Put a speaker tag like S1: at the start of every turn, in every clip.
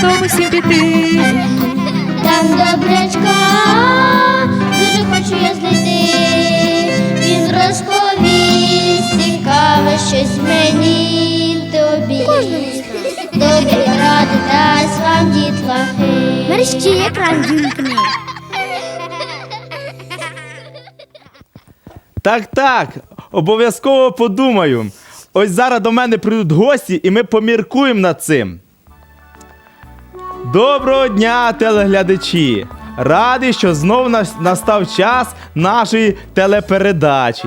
S1: разом усім піти.
S2: Там добрячка, дуже хочу я знайти. Він розповість цікаве щось мені й тобі. Добрі ради дасть вам дітлахи.
S3: Мерщій екран вімкни.
S4: Так, обов'язково подумаю. Ось зараз до мене прийдуть гості і ми поміркуємо над цим. Доброго дня, телеглядачі! Радий, що знов настав час нашої телепередачі.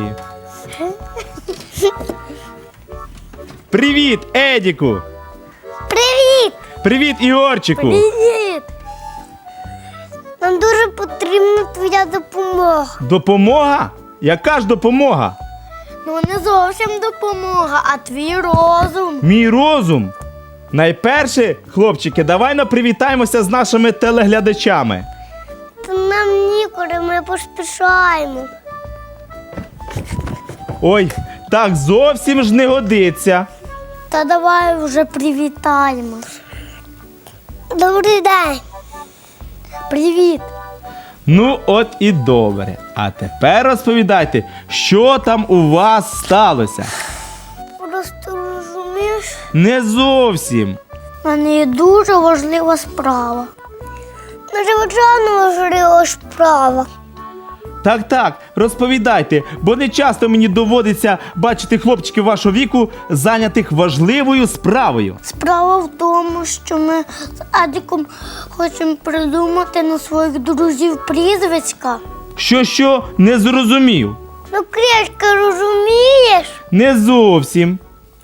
S4: Привіт, Едіку!
S3: Привіт!
S4: Привіт, Ігорчику!
S3: Привіт! Нам дуже потрібна твоя допомога.
S4: Допомога? Яка ж допомога?
S3: Ну не зовсім допомога, а твій розум.
S4: Мій розум? Найперше, хлопчики, давай привітаємося з нашими телеглядачами.
S3: Та нам нікуди, ми поспішаємо.
S4: Ой, так зовсім ж не годиться.
S3: Та давай вже привітаємось. Добрий день. Привіт.
S4: Ну от і добре. А тепер розповідайте, що там у вас сталося?
S3: Просто розумієш,
S4: Не зовсім.
S3: в мене є дуже важлива справа. Надзвичайно важлива справа.
S4: Так, розповідайте, бо не часто мені доводиться бачити хлопчиків вашого віку, зайнятих важливою справою.
S3: Справа в тому, що ми з Адіком хочемо придумати на своїх друзів прізвиська.
S4: Що, не зрозумів?
S3: Ну, Крішка, розумієш?
S4: Не зовсім.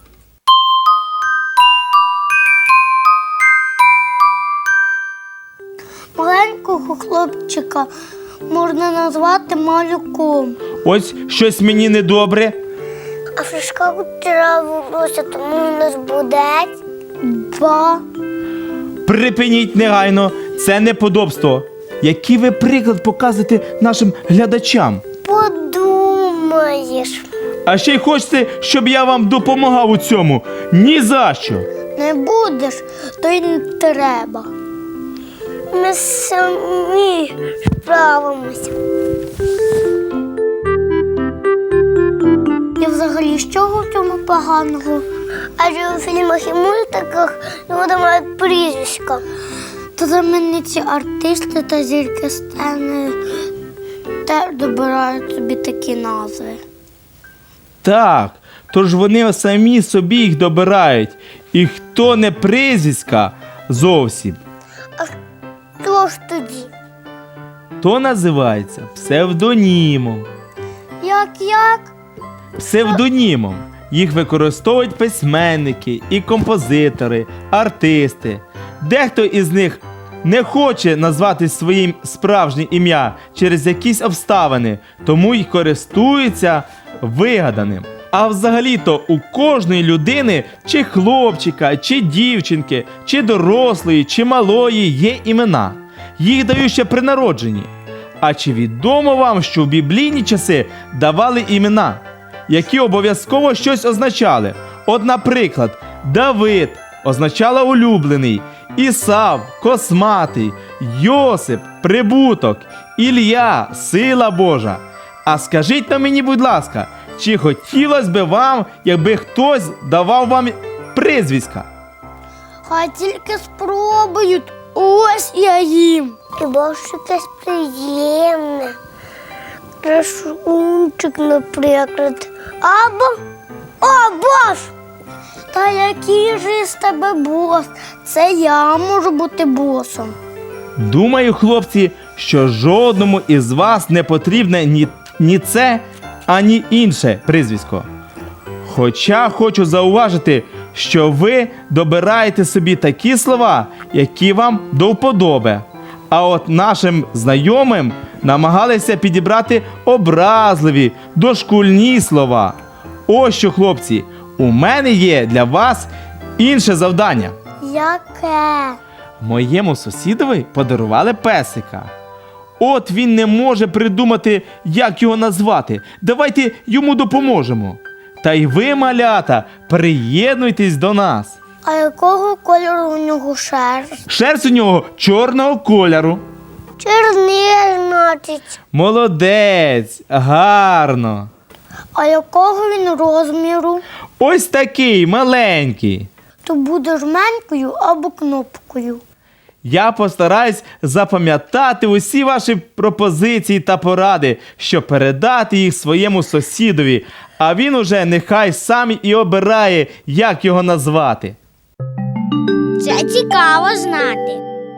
S3: Маленького хлопчика можна назвати малюком.
S4: Ось щось мені недобре.
S3: А Фришка вчора волосся, тому у нас буде два.
S4: Припиніть негайно, це неподобство. Який ви приклад показуєте нашим глядачам?
S3: Подумаєш.
S4: А ще й хочете, щоб я вам допомагав у цьому? Ні за що.
S3: Не будеш, то й не треба. Ми самі справимося. І взагалі, з чого в цьому поганого? Адже у фільмах і мультиках люди мають прізвиська. То знамениті артисти та зірки сцени теж добирають собі такі назви.
S4: Так, тож вони самі собі їх добирають. І хто не прізвиська зовсім,
S3: А що ж тоді?
S4: то називається псевдонімом.
S3: Як?
S4: Псевдонімом їх використовують письменники і композитори, артисти. Дехто із них не хоче назвати своїм справжнє ім'я через якісь обставини, тому й користується вигаданим. А взагалі-то у кожної людини, чи хлопчика, чи дівчинки, чи дорослої, чи малої є імена. Їх дають ще при народженні. А чи відомо вам, що в біблійні часи давали імена, які обов'язково щось означали? От, наприклад, Давид означало улюблений, Ісав – косматий, Йосип – прибуток, Ілля – сила Божа. А скажіть на мені, будь ласка, чи хотілося б вам, якби хтось давав вам прізвиська?
S3: Хай тільки спробують. Ось я їм. Хіба що якесь приємне. Красунчик, наприклад. Або бос. Та який же із тебе бос? Це я можу бути босом.
S4: Думаю, хлопці, що жодному із вас не потрібне ні це, ані інше прізвисько. Хоча хочу зауважити, що ви добираєте собі такі слова, які вам до вподоби. А от нашим знайомим намагалися підібрати образливі, дошкульні слова. Ось що, хлопці, у мене є для вас інше завдання.
S3: Яке?
S4: Моєму сусідові подарували песика. От він не може придумати, як його назвати. Давайте йому допоможемо. Та й ви, малята, приєднуйтесь до нас.
S3: А якого кольору у нього шерсть?
S4: Шерсть у нього чорного кольору.
S3: Чорний, значить.
S4: Молодець, гарно.
S3: А якого він розміру?
S4: Ось такий маленький.
S3: То буде жменькою або кнопкою.
S4: Я постараюсь запам'ятати усі ваші пропозиції та поради, щоб передати їх своєму сусідові, а він уже нехай сам і обирає, як його назвати.
S2: Це цікаво знати.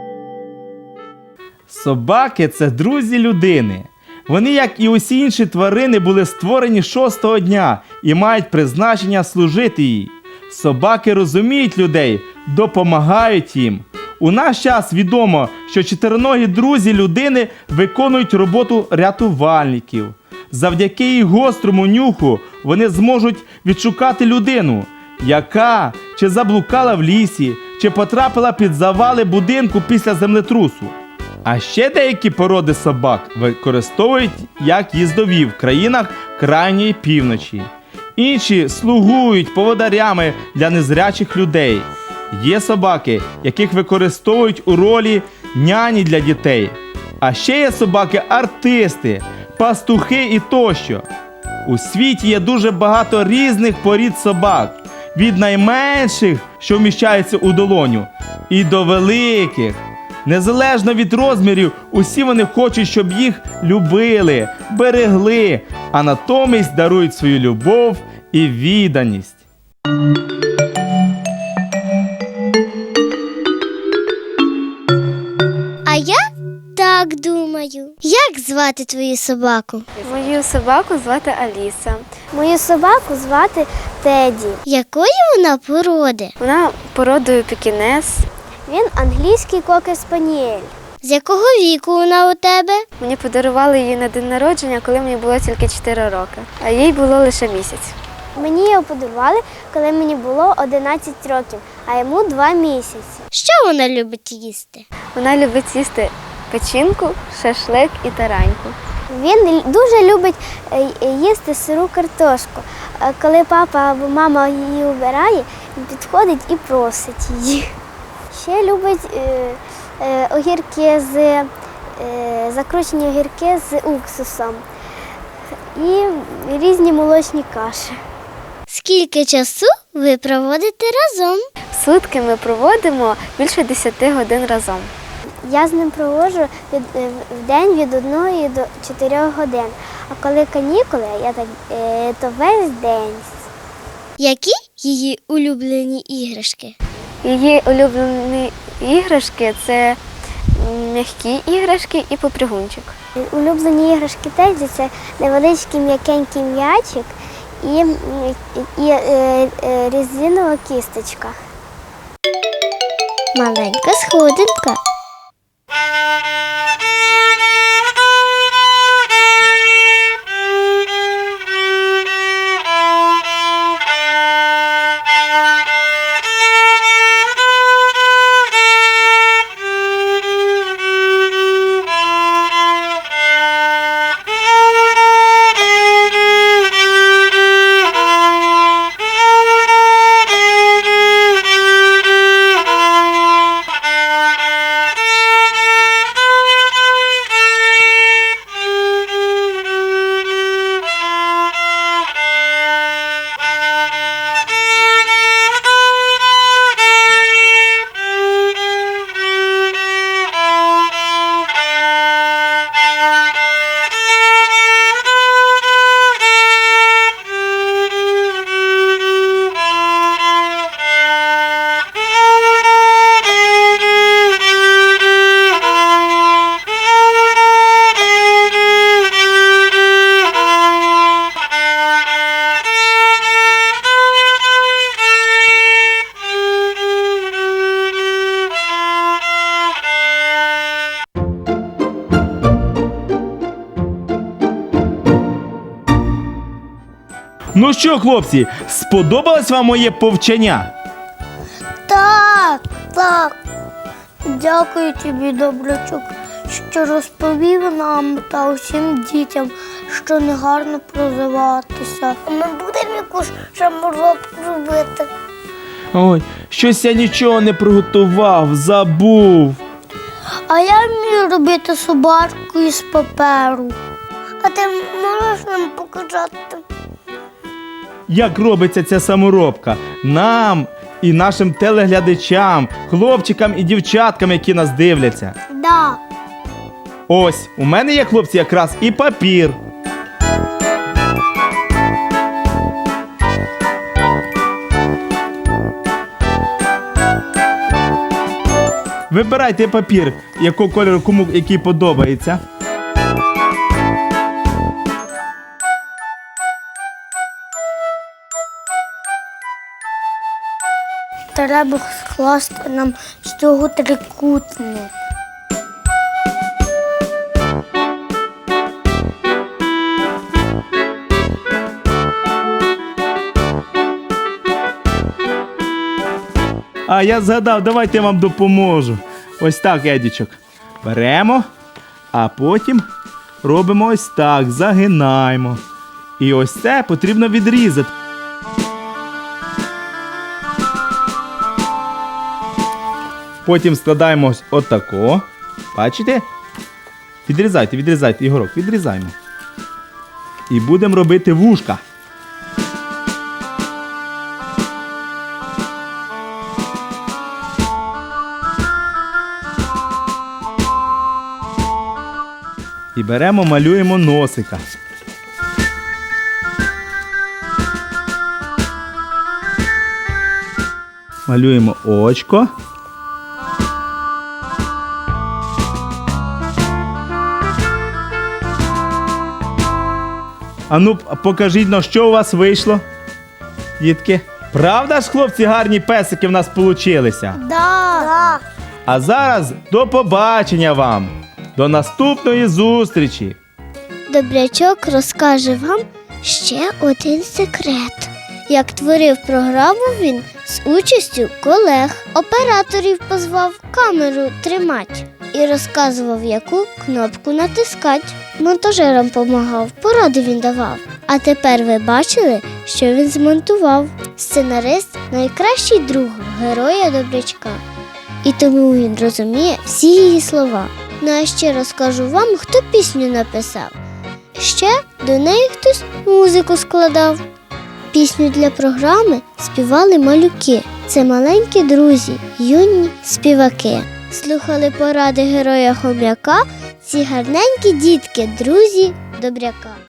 S4: Собаки – це друзі людини. Вони, як і усі інші тварини, були створені шостого дня і мають призначення служити їй. Собаки розуміють людей, допомагають їм. У наш час відомо, що чотириногі друзі людини виконують роботу рятувальників. Завдяки їх гострому нюху вони зможуть відшукати людину, яка чи заблукала в лісі, чи потрапила під завали будинку після землетрусу. А ще деякі породи собак використовують як їздові в країнах крайньої півночі. Інші слугують поводарями для незрячих людей. Є собаки, яких використовують у ролі няні для дітей. А ще є собаки-артисти, пастухи і тощо. У світі є дуже багато різних порід собак. Від найменших, що вміщаються у долоню, і до великих. Незалежно від розмірів, усі вони хочуть, щоб їх любили, берегли, а натомість дарують свою любов і відданість.
S2: А я так думаю. Як звати твою собаку?
S1: Мою собаку звати Аліса.
S3: Мою собаку звати Теді.
S2: Якої вона породи?
S1: Вона породою пекінес.
S3: Він англійський кокер-спаніель.
S2: З якого віку вона у тебе?
S1: Мені подарували її на день народження, коли мені було тільки 4 роки, а їй було лише місяць.
S3: Мені його подарували, коли мені було 11 років, а йому 2 місяці.
S2: Що вона любить їсти?
S1: Вона любить їсти печінку, шашлик і тараньку.
S3: Він дуже любить їсти сиру картошку. Коли папа або мама її убирає, він підходить і просить її. Ще любить огірки закручені огірки з уксусом і різні молочні каші.
S2: Скільки часу ви проводите разом?
S1: Сутки ми проводимо більше 10 годин разом.
S3: Я з ним проводжу в день від 1 до 4 годин. А коли канікули, то весь день.
S2: Які її улюблені іграшки?
S1: Її улюблені іграшки – це м'які іграшки і попригунчик.
S3: Улюблені іграшки Теді – це невеличкий м'якенький м'ячик і резинова кісточка.
S2: Маленька сходинка.
S4: Ну що, хлопці, сподобалось вам моє повчання?
S3: Так. Дякую тобі, Добрячок, що розповів нам та усім дітям, що не гарно прозиватися. Ми будемо якусь шаморобку робити.
S4: Ой, Щось я нічого не приготував, забув.
S3: А я вмію робити собачку із паперу. А ти можеш нам показати?
S4: Як робиться ця саморобка? Нам і нашим телеглядачам, хлопчикам і дівчаткам, які нас дивляться.
S3: Да.
S4: Ось, у мене є, хлопці, якраз і папір. Вибирайте папір, якого кольору кому який подобається.
S3: Треба скласти нам з цього трикутник.
S4: А я згадав, давайте я вам допоможу. Ось так, Едічок. Беремо, а потім робимо ось так, загинаємо. І ось це потрібно відрізати. Потім складаємо ось отако. Бачите? Відрізайте, відрізайте, Ігорок, відрізаємо. І будемо робити вушка. І беремо, малюємо носика. Малюємо очко. А ну, покажіть, ну, що у вас вийшло, дітки? Правда ж, хлопці, гарні песики в нас получилися?
S3: Да.
S4: А зараз до побачення вам! До наступної зустрічі!
S2: Добрячок розкаже вам ще один секрет. Як творив програму він з участю колег, операторів позвав камеру тримати і розказував, яку кнопку натискати. Монтажерам помагав, поради він давав. А тепер ви бачили, що він змонтував. Сценарист – найкращий друг героя Добрячка. І тому він розуміє всі її слова. Ну а ще розкажу вам, хто пісню написав. Ще до неї хтось музику складав. Пісню для програми співали малюки. Це маленькі друзі, юні співаки. Слухали поради героя Хом'яка ці гарненькі дітки, друзі Добряка.